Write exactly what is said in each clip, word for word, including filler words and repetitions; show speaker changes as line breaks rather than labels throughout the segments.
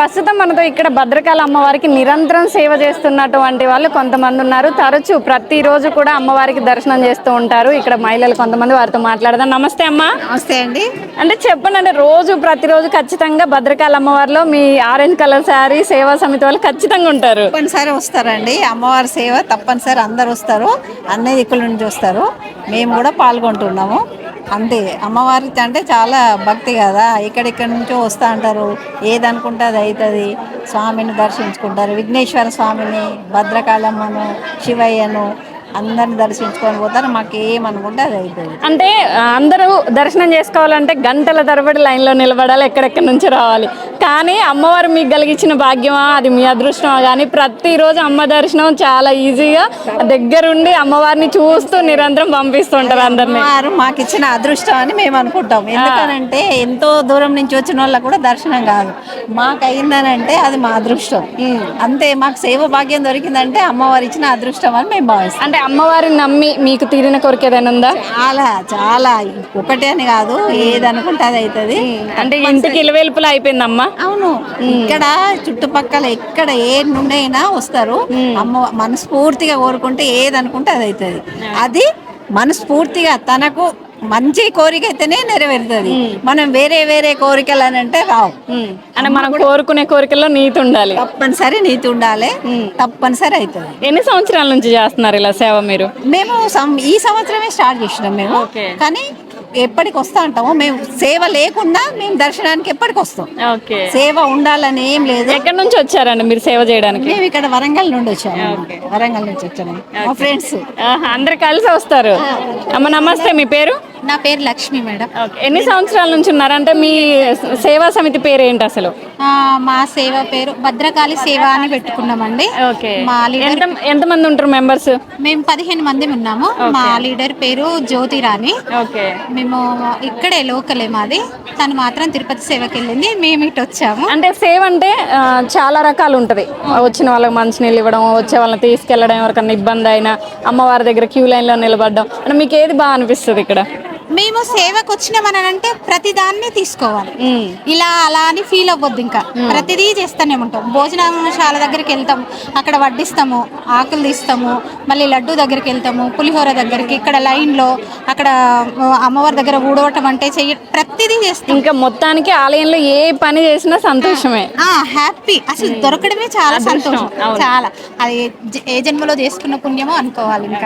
ప్రస్తుతం మనతో ఇక్కడ భద్రకాళి అమ్మవారికి నిరంతరం సేవ చేస్తున్నటువంటి వాళ్ళు కొంతమంది ఉన్నారు. తరచూ ప్రతిరోజు కూడా అమ్మవారికి దర్శనం చేస్తూ ఉంటారు. ఇక్కడ మహిళలు కొంతమంది, వారితో మాట్లాడదాం. నమస్తే అమ్మా.
నమస్తే అండి.
అంటే చెప్పండి, అంటే రోజు ప్రతిరోజు ఖచ్చితంగా భద్రకాళి అమ్మవారిలో మీ ఆరెంజ్ కలర్ శారీ సేవా సమితి వాళ్ళు ఖచ్చితంగా ఉంటారు.
తప్పనిసరి వస్తారండి. అమ్మవారి సేవ తప్పనిసరి అందరు వస్తారు, అన్ని దిక్కుల నుంచి వస్తారు. మేము కూడా పాల్గొంటున్నాము. అంతే, అమ్మవారి అంటే చాలా భక్తి కదా, ఇక్కడిక్కడి నుంచో వస్తూ అంటారు. ఏదనుకుంటే అది అవుతుంది. స్వామిని దర్శించుకుంటారు, విఘ్నేశ్వర స్వామిని, భద్రకాళమ్మను, శివయ్యను అందరిని దర్శించుకొని పోతారు. మాకు ఏమనుకుంటే అది అవుతుంది.
అంటే అందరూ దర్శనం చేసుకోవాలంటే గంటల తరబడి లైన్లో నిలబడాలి, ఎక్కడెక్కడి నుంచి రావాలి. కానీ అమ్మవారు మీకు కలిగించిన భాగ్యమా, అది మీ అదృష్టమా, కానీ ప్రతిరోజు అమ్మ దర్శనం చాలా ఈజీగా దగ్గరుండి అమ్మవారిని చూస్తూ నిరంతరం పంపిస్తుంటారు అందరినీ.
అమ్మవారు మాకు ఇచ్చిన అదృష్టం అని మేము అనుకుంటాం. ఎందుకనంటే ఎంతో దూరం నుంచి వచ్చిన వాళ్ళకు కూడా దర్శనం కాదు, మాకు అయిందనంటే అది మా అదృష్టం. అంతే, మాకు సేవ భాగ్యం దొరికిందంటే అమ్మవారు ఇచ్చిన అదృష్టం అని మేము భావిస్తాం.
అంటే అమ్మవారిని నమ్మి మీకు తీరిన కోరిక ఏదైనా ఉందా?
చాలా చాలా, ఒకటే అని కాదు, ఏది అనుకుంటే అది అవుతుంది.
అంటే ఇంటికి ఇలవేల్పులు అయిపోయిందమ్మా.
అవును, ఇక్కడ చుట్టుపక్కల ఎక్కడ ఏ నుండి అయినా వస్తారు. అమ్మ మనస్ఫూర్తిగా కోరుకుంటే ఏది అనుకుంటే అది అవుతుంది. అది మనస్ఫూర్తిగా తనకు మంచి కోరిక అయితేనే నెరవేరుతుంది. మనం వేరే వేరే కోరికలు అని అంటే రావు.
అంటే మనం కోరుకునే కోరికల్లో నీతి ఉండాలి,
తప్పనిసరి నీతి ఉండాలి, తప్పనిసరి అవుతుంది.
ఎన్ని సంవత్సరాల నుంచి చేస్తున్నారు ఇలా సేవ మీరు?
మేము ఈ సంవత్సరమే స్టార్ట్ చేసినాం మేము. కానీ ఎప్పటికి వస్తా అంటాము మేము. సేవ లేకుండా మేము దర్శనానికి ఎప్పటికి వస్తాం. సేవ ఉండాలని ఏం లేదు.
ఎక్కడి నుంచి వచ్చారండి మీరు సేవ చేయడానికి?
మేము ఇక్కడ వరంగల్ నుండి వచ్చాము. వరంగల్ నుంచి వచ్చాము, మా ఫ్రెండ్స్
అందరు కలిసి వస్తారు. అమ్మ నమస్తే, మీ పేరు?
నా పేరు లక్ష్మి మేడం.
ఎన్ని సంవత్సరాల నుంచి ఉన్నారు? అంటే మీ సేవా సమితి పేరు ఏంటి అసలు?
మా సేవ పేరు భద్రకాళి సేవ అని పెట్టుకున్నామండి. మా లీడర్,
ఎంత మంది ఉంటారు మెంబర్స్?
మేము పదిహేను మంది ఉన్నాము. మా లీడర్ పేరు జ్యోతిరాణి. మేము ఇక్కడే లోకలే మాది. తను మాత్రం తిరుపతి సేవకి వెళ్ళింది, మేము ఇటు వచ్చాము.
అంటే సేవ అంటే చాలా రకాలు ఉంటుంది. వచ్చిన వాళ్ళకి మంచినీళ్ళు ఇవ్వడం, వచ్చే వాళ్ళని తీసుకెళ్ళడం, ఎవరికన్నా ఇబ్బంది అయినా అమ్మవారి దగ్గర క్యూ లైన్లో నిలబడడం, అంటే మీకు ఏది బాగా అనిపిస్తుంది ఇక్కడ?
మేము సేవకు వచ్చినామనంటే ప్రతి దాన్ని తీసుకోవాలి, ఇలా అలా అని ఫీల్ అవ్వద్దు. ఇంకా ప్రతిదీ చేస్తూనే ఉంటాం. భోజనశాల దగ్గరికి వెళ్తాం, అక్కడ వడ్డిస్తాము, ఆకులు తీస్తాము, మళ్ళీ లడ్డు దగ్గరికి వెళ్తాము, పులిహోర దగ్గరికి, ఇక్కడ లైన్లో అక్కడ అమ్మవారి దగ్గర ఊడవటం అంటే చెయ్య, ప్రతిదీ చేస్తాం.
ఇంకా మొత్తానికి ఆలయంలో ఏ పని చేసినా సంతోషమే,
హ్యాపీ. అసలు దొరకడమే చాలా సంతోషం. చాలా, అది ఏ జన్మలో చేసుకున్న పుణ్యమో అనుకోవాలి. ఇంకా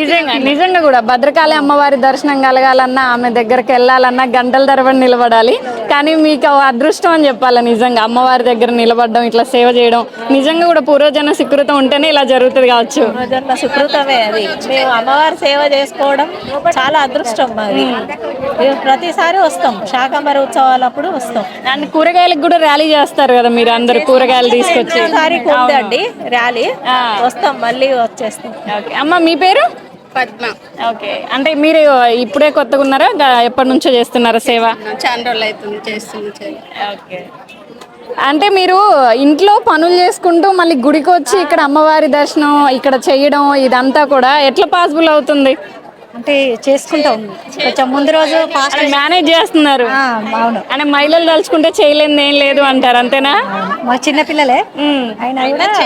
నిజంగా కూడా భద్రకాళి అమ్మవారి దర్శనం కలగాలన్నా, ఆమె దగ్గరికి వెళ్ళాలన్నా గంటల తరబడి నిలబడాలి. కానీ మీకు అదృష్టం అని చెప్పాలి. నిజంగా అమ్మవారి దగ్గర నిలబడడం, ఇట్లా సేవ చేయడం నిజంగా కూడా పూర్వజన్మ సుకృతం ఉంటేనే ఇలా జరుగుతుంది కావచ్చు.
పూర్వజన్మ సుకృతమే అది. మేము అమ్మవారి సేవ చేసుకోవడం చాలా అదృష్టం మాది. ప్రతిసారి వస్తాం, శాకంబరి ఉత్సవాలప్పుడు వస్తాం.
అండ్ కూరగాయలకు కూడా ర్యాలీ చేస్తారు కదా మీరు, అందరు కూరగాయలు తీసుకొచ్చి.
ఉందండి ర్యాలీ, వస్తాం, మళ్ళీ వచ్చేస్తాం.
ఓకే అమ్మ, మీ పేరు?
పద్మ.
ఓకే, అంటే మీరు ఇప్పుడే కొత్తగా ఉన్నారా, ఎప్పటి నుంచో చేస్తున్నారా సేవ?
చాలా రోజులు అవుతుంది చేస్తుంది.
ఓకే, అంటే మీరు ఇంట్లో పనులు చేసుకుంటూ మళ్ళీ గుడికి వచ్చి ఇక్కడ అమ్మవారి దర్శనం ఇక్కడ చేయడం, ఇదంతా కూడా ఎట్లా పాసిబుల్ అవుతుంది?
అంటే చేసుకుంటాం, కొంచెం ముందు రోజు ఫాస్ట్
మేనేజ్ చేస్తున్నారు.
అవును,
అంటే మహిళలు తలుచుకుంటే చేయలేదు ఏం లేదు అంటారు, అంతేనా?
మా చిన్నపిల్లలే అయినా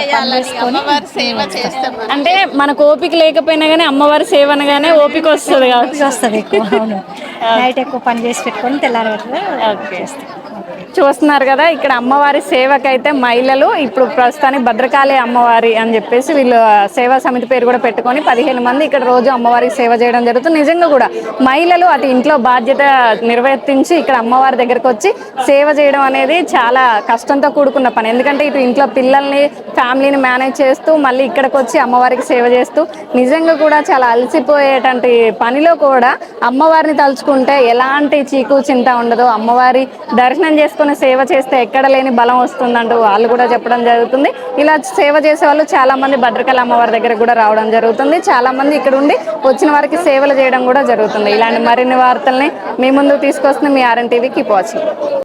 అంటే మనకు ఓపిక లేకపోయినా కానీ అమ్మవారి సేవ అనగానే ఓపిక వస్తుంది
వస్తుంది ఎక్కువ. అవును, నైట్ ఎక్కువ పని చేసి పెట్టుకొని తెల్లారి
చూస్తున్నారు కదా, ఇక్కడ అమ్మవారి సేవకైతే మహిళలు ఇప్పుడు ప్రస్తుతానికి భద్రకాళి అమ్మవారి అని చెప్పేసి వీళ్ళు సేవా సమితి పేరు కూడా పెట్టుకొని పదిహేను మంది ఇక్కడ రోజు అమ్మవారికి సేవ చేయడం జరుగుతుంది. నిజంగా కూడా మహిళలు అటు ఇంట్లో బాధ్యత నిర్వర్తించి ఇక్కడ అమ్మవారి దగ్గరకు వచ్చి సేవ చేయడం అనేది చాలా కష్టంతో కూడుకున్న పని. ఎందుకంటే ఇటు ఇంట్లో పిల్లల్ని, ఫ్యామిలీని మేనేజ్ చేస్తూ మళ్ళీ ఇక్కడికి వచ్చి అమ్మవారికి సేవ చేస్తూ నిజంగా కూడా చాలా అలసిపోయేటువంటి పనిలో కూడా అమ్మవారిని తలుచుకుంటే ఎలాంటి చీకు చింత ఉండదు. అమ్మవారి దర్శనం చేసుకుని సేవ చేస్తే ఎక్కడ లేని బలం వస్తుందంటూ వాళ్ళు కూడా చెప్పడం జరుగుతుంది. ఇలా సేవ చేసే వాళ్ళు చాలా మంది భద్రకాళి అమ్మవారి దగ్గర కూడా రావడం జరుగుతుంది. చాలా మంది ఇక్కడ ఉండి వచ్చిన వారికి సేవలు చేయడం కూడా జరుగుతుంది. ఇలాంటి మరిన్ని వార్తల్ని మీ ముందుకు తీసుకొస్తుంది మీ ఆర్ఎన్ టీవీ. Keep watching.